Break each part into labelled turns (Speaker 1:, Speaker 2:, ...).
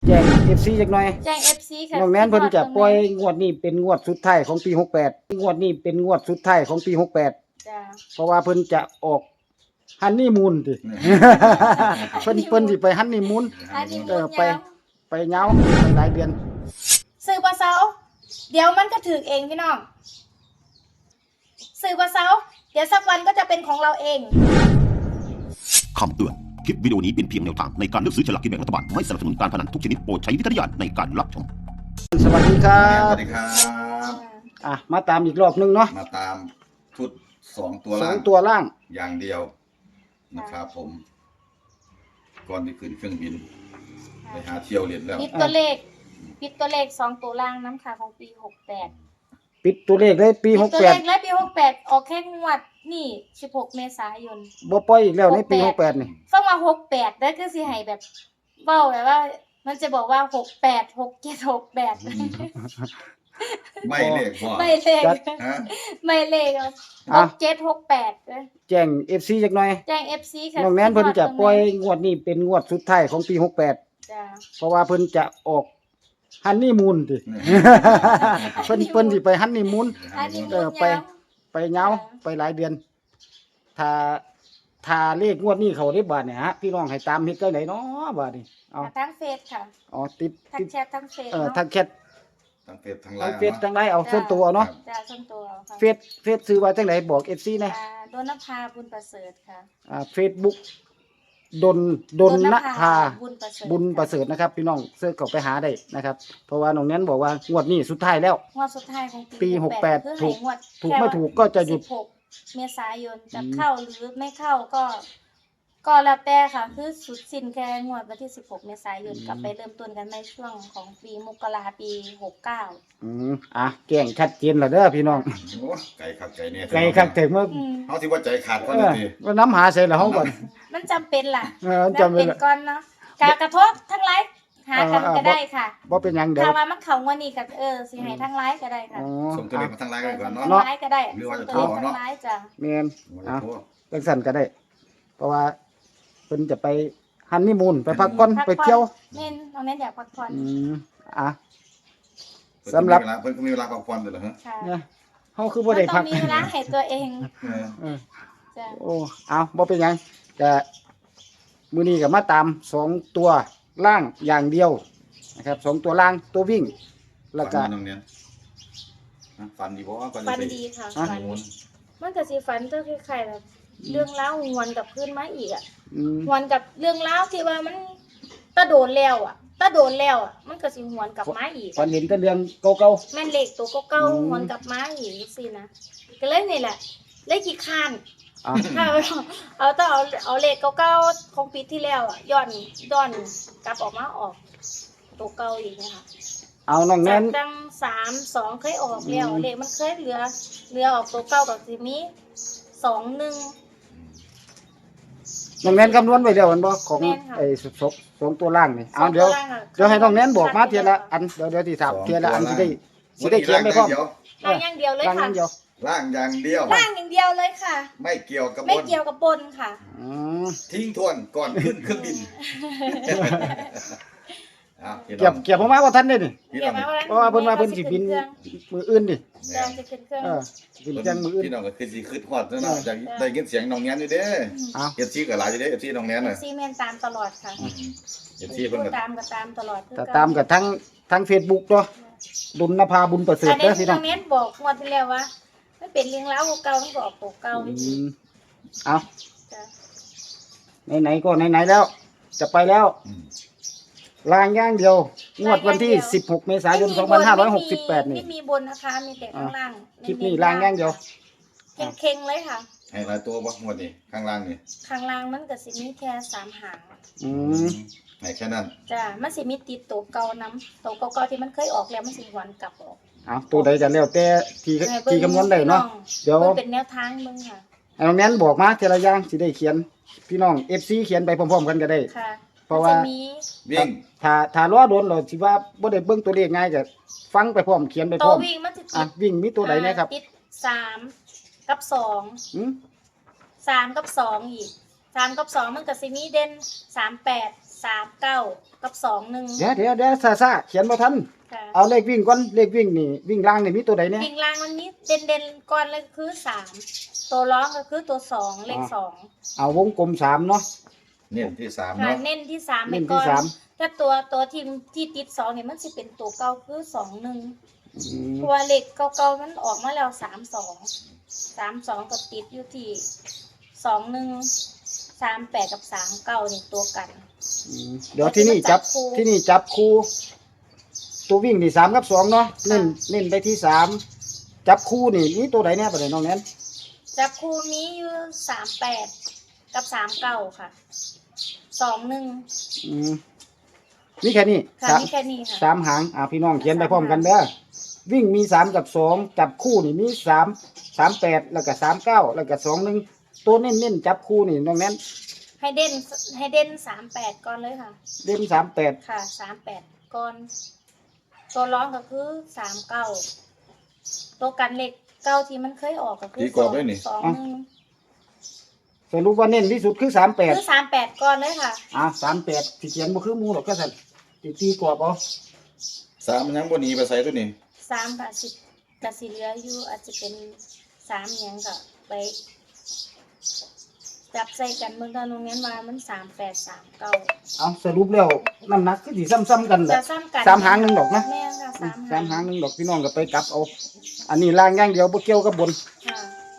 Speaker 1: แจ้ง FC จักหน่อย
Speaker 2: แจ้ง FC ค่ะ
Speaker 1: น้องแนนเพิ่นจะปล่อยงวดนี้เป็นงวดสุดท้ายของปี68งวดนี้เป็นงวดสุดท้ายของปี68
Speaker 2: จ้า
Speaker 1: เพราะว่าเพิ่นจะออกฮันนีมูนติ เพิ่นสิไปฮันนีมูน
Speaker 2: อันนี้
Speaker 1: ไปยาวไปหลายเดือน
Speaker 2: ซื้อบ่เซาเดี๋ยวมันก็ถึกเองพี่น้องซื้อบ่เซาเดี๋ยวสักวันก็จะเป็นของเราเอง
Speaker 3: คำเตือน คลิปวิดีโอนี้เป็นเพียงแนวทางในการเลือกซื้อฉลากกินแบ่งรัฐบาล ไม่สนับสนุนการพนันทุกชนิดโปรดใช้วิจารณญาณในการรับชม
Speaker 1: สวัสดีครั
Speaker 4: ส
Speaker 1: บ
Speaker 4: วัสดีครับ
Speaker 1: มาตามอีกรอบนึงเนาะ
Speaker 4: มาตามชุด2 ตัว
Speaker 1: สอ
Speaker 4: ล่าง ง
Speaker 1: ตัวล่าง
Speaker 4: อย่างเดียวนะครับผม ก่อนที่ขึ้นเครื่องบิน ไปหาเที่ยวเรียนแล้ว
Speaker 2: ปิดตัวเลข2ตัวล่างน้ำค่ะของปี68
Speaker 1: ปิดตัวเลขเลยปี
Speaker 2: ปิดตัวเลขและปี68ออกแค่งวดนี่16เมษายน
Speaker 1: 68บ่ปล่อยอีกแล้วในปี68นี่
Speaker 2: ฟังมา68ได้คือสิให้แบบเว้าแบบว่า มันจะบอกว่า68 67 68
Speaker 4: ไม่เลขพ่อ
Speaker 2: ไม่เลข
Speaker 4: ฮะ
Speaker 2: ไม่เลข67 68เด้อ
Speaker 1: แจ้ง FC จักหน่อย
Speaker 2: แจ้ง FC ค่ะ
Speaker 1: น้องแนนเพิ่นจะปล่อยงวดนี้เป็นงวดสุดท้ายของปี68
Speaker 2: จ้า
Speaker 1: เพราะว่าเพิ่นจะออกฮันนีมูนติ เพิ่นสิไปฮันนีมูน
Speaker 2: อันนี้
Speaker 1: ไปยาวไปหลายเดือน ถ้าเลขงวดนี้เขาได้บาทเนี่ยฮะพี่น้องให้ตามเฮ็ดจังไดเนาะบาดนี้เอา
Speaker 2: ทั้งเฟซค่ะ
Speaker 1: อ๋อติด
Speaker 2: ทั้งแชททั้งเฟซ
Speaker 1: ทางแชท
Speaker 4: ทั้งเฟซทั้งไล
Speaker 1: ทาง
Speaker 4: น์
Speaker 1: เฟซทางไลน์เอาส่วนตัวเนาะ
Speaker 2: จ้าส่วนตัวค่ะ
Speaker 1: เฟซซื้อว่าจังไดบอก FC นะ
Speaker 2: ดนภาบุญประเสริฐค่ะ
Speaker 1: Facebook ดนนภา บุญประเสริฐนะครับพี่น้องเสิร์ชเข้าไปหาได้นะครับ เพราะว่าน้องแนนบอกว่างวดนี้สุดท้ายแล้ว
Speaker 2: งวดสุดท้ายของปี
Speaker 1: ปี
Speaker 2: 68
Speaker 1: 68
Speaker 2: คือให้งวด
Speaker 1: ถูกไม่ถูกก็จะหยุด
Speaker 2: 16เมษายนจะเข้าหรือไม่เข้าก็แล้วแต่ค่ะ คือสุดสิ้นแค่งวดวันที่16เมษายนกลับไปเริ่มต้นกันในช่วงของปีมกราปี69
Speaker 1: แจ้งชัดเจนแล้วเด้อพี่น้อง
Speaker 4: โอ้ไก่ขับไก่เนี่ย
Speaker 1: ไกลคักถึงว่า
Speaker 4: เขาที่ว่าใจขาดก่อน
Speaker 1: เอ
Speaker 4: นะ
Speaker 1: อ
Speaker 4: ที
Speaker 1: ว่าน้ำหาใส่ละเฮาก่อน
Speaker 2: มันจำเป็นล่ะ
Speaker 1: จำเป็นละ
Speaker 2: ก่อนเนาะกระทบทั้งไลฟ์หากันก็ได้ค่ะ
Speaker 1: บ่เป็นหยังเดี๋ยว
Speaker 2: ถ้าว่ามันเข้างวดนี้ก็สิให้ทั้งไลฟ์ก็ได้ค่ะ
Speaker 1: อ๋อ
Speaker 4: ส่งตัวเลขมาทั้งไลน์กันก่อนเนาะ
Speaker 2: ทั้งไลฟ์ก็ได้
Speaker 4: หรือว่าจะ
Speaker 2: ส่ง
Speaker 4: โทร
Speaker 2: ตัวเลข
Speaker 4: เนาะ
Speaker 2: ทั้งไลฟ์จ้ะ
Speaker 1: แม่น
Speaker 4: ว่าจะโทร
Speaker 1: จังซั่นก็ได้ เพราะว่าเพิ่นจะไปฮันนีมูนไปพักผ่อนไปเที่ยว
Speaker 2: เน้นน้องเน้นอยากพักผ่อน
Speaker 1: อ่ะ
Speaker 4: เพิ่น
Speaker 1: สำหรับ
Speaker 4: เพิ่นก็มีเวลาพักผ่อนด้วยเหรอฮะ
Speaker 2: ค่ะ
Speaker 1: เนี่ยเฮาคือบ่ได้
Speaker 2: มันต้
Speaker 1: พั
Speaker 2: อก งมีเวลาให้ตัวเอง
Speaker 4: เออ
Speaker 1: เออ
Speaker 2: จ้ะ
Speaker 1: โอ้เอาบ่เป็นหยังก็มื้อนี้ก็มาตาม2ตัวล่างอย่างเดียวนะครับ2ตัวล่างตัววิ่ง แล้วก็
Speaker 4: ฝันมาน้องเนี่ยฮะฝันดีบ่ก่อนจะ
Speaker 2: ฝัน
Speaker 4: ไป
Speaker 2: ดีค่ะ
Speaker 1: อ่ะ
Speaker 2: ฝันมันก็สิฝันเจ้าคล้ายๆแบบเรื่องเล่าหวนกลับขึ้นมาอีกอ่ะ
Speaker 1: อืม
Speaker 2: หวนกับเรื่องเล่าวที่ว่ามันตะโดนแล้วอ่ะมันก็สิหวนกลับมาอีก
Speaker 1: ฝันเห็นแต่เรื่องเก่า
Speaker 2: แม่นเหล็กตัวเก่า
Speaker 1: อืม
Speaker 2: ๆหวนกลับมาอีกสินะก็เลยนี่แหละเลยขี้คร้าน
Speaker 1: ๆอ่ะ
Speaker 2: ถ้าเอาเลขเก่าๆของปีที่แล้วอ่ะย้อนกลับออกมาออกตัวเก่าอีกนะคะ
Speaker 1: เอาน้องแน
Speaker 2: จาก
Speaker 1: น
Speaker 2: ตั้ง3-2เคยออกแล้ว
Speaker 1: อืม
Speaker 2: เลขมันเคยเหลือออกตัวเก่ากับสิมี2-1
Speaker 1: น้องแนนคำนวณไว้แล้วแม่นบ่ของ
Speaker 2: แม่นค่ะ
Speaker 1: ไอ้สองตัวล่างนี่เอาเดี๋ยวให้น้องแนนบอกมาเทียละอันเดี๋ยวสิถามเทียละอันสิได้เขียนไปพร้อม
Speaker 2: ล่างอย่างเดียวเลย
Speaker 1: ล่าง
Speaker 2: ค่ะ
Speaker 1: นั้นเดียว
Speaker 4: ล่างอย่างเดียว
Speaker 2: ล่างอย่างเดียวเลยค่ะ
Speaker 4: ไม่เกี่ยวกับบ
Speaker 2: ไม่
Speaker 4: น
Speaker 2: เกี่ยวกับบนค่ะ
Speaker 1: อืม
Speaker 4: ทิ้งทวนก่อนขึ้นเครื่องบินพี่น้
Speaker 1: เก็
Speaker 4: อบ ง
Speaker 1: ผมมาว่าท่านได้นี่
Speaker 4: พี่
Speaker 2: เกี่
Speaker 4: น้
Speaker 2: ย
Speaker 4: อ
Speaker 2: ว
Speaker 4: ง
Speaker 2: มา
Speaker 1: เพราะว่าเพิ่นมาเพิ่นสิบินมืออื่นดิ
Speaker 2: แดงจะขึ้นเครื่อง
Speaker 1: สิบินจังมืออื่น
Speaker 4: พี่น้องก็คือสิขึ้นฮอดเนาะจากได้ยินเสียงน้องแนนอยู่เด้
Speaker 1: เอา
Speaker 4: เอฟซีก็หลายอยู่เด้เอฟซีน้องแนนน่ะ
Speaker 2: ซีเมนตามตลอดค่ะ
Speaker 4: เอฟซีเพิ่นก็
Speaker 2: ตามก็ตามตลอดคือ
Speaker 1: แต่
Speaker 2: กัน
Speaker 1: ตามกับทั้ง Facebook เนาะดุลนภาบุญประเสริฐ
Speaker 2: อัน
Speaker 1: เด้
Speaker 2: นี้
Speaker 1: อพี่น้
Speaker 2: น้
Speaker 1: อ
Speaker 2: อง งเน้นบอกงวดที่แล้วว่ามันเป็นเลี้ยงเล้าเก่ามันก็ออกตัวเก่า
Speaker 1: อืมเอา
Speaker 2: จ้ะ
Speaker 1: ไหนๆก็ไหนๆแล้ว จะไปแล้วลางอย่างเดียว งวดวันที่16เมษายน2568นี่
Speaker 2: ไม่มีบนนะคะมีแต่ข้างล่าง
Speaker 1: คลิปนี้ลางอย่างเดียว
Speaker 2: เข่งๆเลยค่ะ
Speaker 4: ให้หลายตัวบ่หมดนี่ข้างล่างนี่
Speaker 2: ข้างล่างมันก็สิมีแค่3หาง
Speaker 1: อืม
Speaker 4: ให้แค่นั้น
Speaker 2: จ้ะมันสิมีติดตัวเก่านํตัวเก่าๆที่มันเคยออกแล้วมันสิหวนกลับออก
Speaker 1: เอาตัวใดกันแล้วแต่ที่คำนวณได้เนาะ เดี๋ยว
Speaker 2: มันเป็นแนวทางมึงค่ะ
Speaker 1: ให้น้องแนนบอกมาทีละอย่างสิได้เขียน พี่น้อง FC เขียนไปพร้อมๆกันก็ได้
Speaker 2: ค่ะ
Speaker 1: เพราะว่า
Speaker 2: มันจะมี
Speaker 4: วิ่ง
Speaker 1: ถ้ารอโดนเราสิว่าบ่ได้เบิ่งตัวเลขง่ายก็ฟังไปพร้อมเขียนไปพ
Speaker 2: ตั
Speaker 1: ร้
Speaker 2: ว
Speaker 1: อม
Speaker 2: วิ่งมันจะ
Speaker 1: อ่ะ
Speaker 2: ติด
Speaker 1: วิ่งมีตัวใดนะครับ
Speaker 2: ติด3กับ2
Speaker 1: อืม
Speaker 2: 3กับ2อีก3กับ2มันก็สิมีเด่น38 39กับ21
Speaker 1: เดี๋ยวซาเขียนบ่ทัน
Speaker 2: ค่ะ
Speaker 1: เอาเลขวิ่งก่อนเลขวิ่งนี่วิ่งล่างนี่มีตัวใดเนี่ย
Speaker 2: วิ่งล่างวันนี้เด่นๆก่อนเลยคือ3ตัวร้องก็คือตัว2เลข2
Speaker 1: เอาวงกลม3เนาะ
Speaker 4: เน้นที่3
Speaker 2: ค่ะ
Speaker 4: เนาะ
Speaker 2: เน้นที่3ไป
Speaker 1: เน้น
Speaker 2: ก่
Speaker 1: ที่
Speaker 2: อน
Speaker 1: สาม
Speaker 2: ถ้าตัวทีมที่ติด2นี่มันสิเป็นตัวเก่าคือ21
Speaker 1: อืม
Speaker 2: เพราะว่าเลขเก่าๆมันออกมาแล้ว32ก็ติดอยู่ที่21 38กับ39นี่ตัวกัน
Speaker 1: เดี๋ยวที่นี่จับคู่ตัววิ่งนี่3กับ2เนาะเน้นไปที่3จับคู่นี่มีตัวใดเนี่ยบ่ได้น้องแนน
Speaker 2: จับคู่มีอยู่38กับ39ค่ะ21
Speaker 1: อืมมีแค่นี้
Speaker 2: ค่ะ
Speaker 1: สาม
Speaker 2: มีแค่นี้ค่ะ
Speaker 1: สามหางพี่น้องเขียนไปพร้อมกันเด้อวิ่งมี3กับ2จับคู่นี่มี38แล้วก็39แล้วก็21ตัวเน้นจับคู่นี่น้องแนน
Speaker 2: ให้เด่น38ก่อนเลยค่ะ
Speaker 1: เด่น38
Speaker 2: ค่ะ38ก่อนตัวร้องก็คือ39ตัวกันเหล็กเก้าที่มันเคยออกก็คือ
Speaker 4: ตีกรอบไว้นี่
Speaker 2: 21
Speaker 1: สรุปว่าเน้นที่สุดคือ
Speaker 2: คือ
Speaker 1: 38
Speaker 2: 38ก่อนเลยค่ะ
Speaker 1: 38ที่เขียนบ่คือหมู่หรอกก็ซั่นตีกรอบเอา
Speaker 4: 3มันยังบ่หนีไปใส่ตัวนี้
Speaker 2: 3บาท10ก็สิเหลืออยู่อาจจะเป็น3หยังก็ไปจับใส่กันเบิ่งตอนโรงเรียนว่ามัน38 39
Speaker 1: เอาสรุปแล้วน้ำหนักคือสิซ้ำๆกันแห
Speaker 2: จะ
Speaker 1: ละ
Speaker 2: ซ้ำกัน
Speaker 1: สามหางหนึ่งดอกนะ
Speaker 2: แม่นค่ะ
Speaker 1: สามหางหนึงดอกพี่น้องก็ไปกลับเอา อันนี้ล่างอย่างเดียวบ่เกี่ยวกับบน
Speaker 2: ค่ะ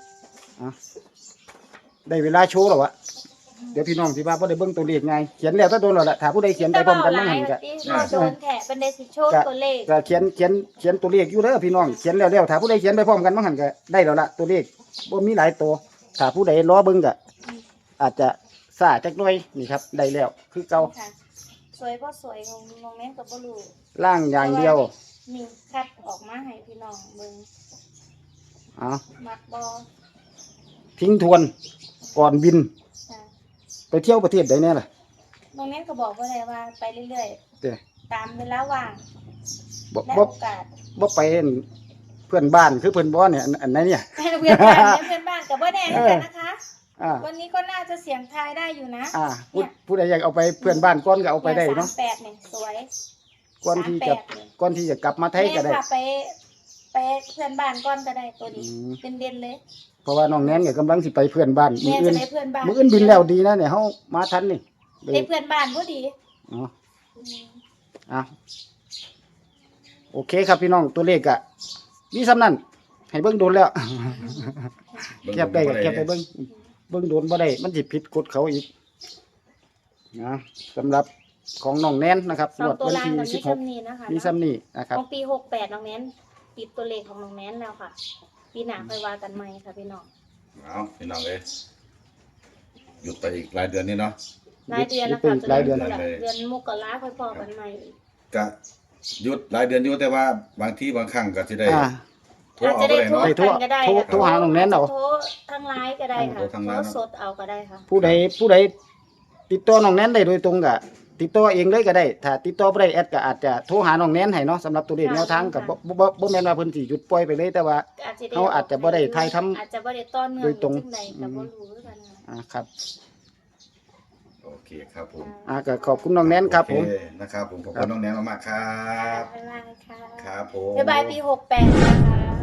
Speaker 1: ได้เวลาโชว์แล้ววะเดี๋ยวพี่น้องสิว่าบ่ได้เบิ่งตัวเลขไงเขียนแล้วถ้าโดนแล้วล่ะถ้าผู้ใดเขียนไปพร้อมกันมันหันก็
Speaker 2: รอโดนแถะเป็นเดซิโชว์ตัวเลข
Speaker 1: ก็เขียนตัวเลขอยู่เด้อพี่น้องเขียนแล้วถ้าผู้ใดเขียนไปพร้อมกันมันหันก็ได้แล้วล่ะตัวเลขบ่มีหลายตัวถ้าผู้ใดรอเบิ่งก็อาจจะซ่าจักหน่อยนี่ครับได้แล้วคือเก่า
Speaker 2: ค่ะสวยบ่สวยของน้องแม่นก็บ่รู้
Speaker 1: ล่างอย่างเดียว
Speaker 2: นี่คัดออกมาให้พี่น้องเบิ่ง
Speaker 1: เอา
Speaker 2: มักบ่
Speaker 1: ทิ้งทวนก่อนบิน
Speaker 2: ค่ะ
Speaker 1: ไปเที่ยวประเทศใดแน่ล่ะ
Speaker 2: น้องแม่นก็บอกว่าได้ว่าไปเรื่อย
Speaker 1: เด้อ
Speaker 2: ๆตามเวลาว่าง
Speaker 1: บ่
Speaker 2: และ
Speaker 1: บ่
Speaker 2: โอกาส
Speaker 1: บ่ไปเห็นเพื่อนบ้านคือเพื่อนบ่เนี่ยอันไหนเนี่ย
Speaker 2: ให้เพื่อนบ้านเนี่ยเพื่อนบ้านก็บ่แน่เหมือนกันนะคะ
Speaker 1: อ่า
Speaker 2: วันนี้ก็น่าจะเสียงทายได้อยู่นะ
Speaker 1: ผู้ใดอยากเอาไปเพื่อนบ้านก่อนก็เอาไปได้เนาะ
Speaker 2: 38เนี่ยสวย
Speaker 1: ก่อนที่จะ
Speaker 2: 38เนี่ย
Speaker 1: ก่อนที่จะกลับมาไทยก็ได้
Speaker 2: แม่ค่ะไปเพื่อนบ้านก่อนก็ได้ตัวนี้
Speaker 1: อืม
Speaker 2: เป็นเด่นเลย
Speaker 1: เพราะว่าน้องแนนก็กำลังสิไปเพื่อนบ้านมื้
Speaker 2: แม่
Speaker 1: ออื่
Speaker 2: จะ
Speaker 1: น
Speaker 2: ได้เพื่อนบ้าน
Speaker 1: มื้ออื่นบินแล้วดีนะเนี่ยเฮามาทันนี่
Speaker 2: ได้เพื่อนบ้านก็ดี
Speaker 1: อ๋ออ่ะโอเคครับพี่น้องตัวเลขก็มีส่ำนั้นให้เบิ่งโดนแล้วแคบได้ก็แคบไปเบิ่งโดนบ่ได้มันสิผิดกฎเขาอีกนะสำหรับของน้องแนนนะครับ
Speaker 2: สองตัว
Speaker 1: วัน
Speaker 2: ล่าง
Speaker 1: ที่
Speaker 2: กับมี
Speaker 1: 16
Speaker 2: คำนี้นะคะ
Speaker 1: มีซ้ำนี่นะครับ
Speaker 2: ของปี68น้องแนนปิดตัวเลขของน้องแนนแล้วค่ะ ปีหน้าค่อยว่ากันใหม่ค่ะพี่น้อง
Speaker 4: เอาพี่น้องเอ้ยหยุดไปอีกหลายเดือนนี่เนาะ
Speaker 2: รายเดือนนะ
Speaker 1: ปิ
Speaker 2: คะ
Speaker 1: ดหลายเดือน
Speaker 2: เดือนมกราค่อยพอกันใหม่อีก
Speaker 4: ก็หยุดหลายเดือนอยู่แต่ว่าบางที่บางครั้งก็สิได้
Speaker 1: อ่า
Speaker 4: โทร
Speaker 2: อาจ
Speaker 4: เอา
Speaker 2: จะ
Speaker 4: ไป
Speaker 2: ได้
Speaker 4: เลย
Speaker 2: โทร
Speaker 4: เนาะ
Speaker 2: กันก็ได้
Speaker 1: โทรหาน้องแนนเอา
Speaker 2: โทรทางไลน์ก็ได้ค่ะ
Speaker 4: โทรทางไลน์
Speaker 2: โทรสดเอาก็ได้ค่ะ
Speaker 1: ผู้ใดติดต่อน้องแนนได้โดยตรงก็ติดต่อเองเลยก็ได้ ถ้าติดต่อบ่ได้แอดก็อาจจะโทรหาน้องแนนให้เนาะสำหรับตัวเลขแนวทางก็บ่แม่นว่าเพิ่นสิหยุดปล่อยไปเลยแต่ว่า เขาอาจจะบ่ได้ถ่ายทำ
Speaker 2: อาจจะบ่ได้ต้อนเนื่อง
Speaker 1: โดยตรง
Speaker 2: จังใดก็บ่รู้คือกันค่ะ
Speaker 1: ครับ
Speaker 4: โอเคครับผม
Speaker 1: ก็ขอบคุณน้องแนนครับผม
Speaker 4: โอเนะครับผมขอบคุณน้องแนนมากๆครับ
Speaker 2: บ๊ายบายค่ะ
Speaker 4: ครับผม
Speaker 2: บ๊ายบายปี68นะคะ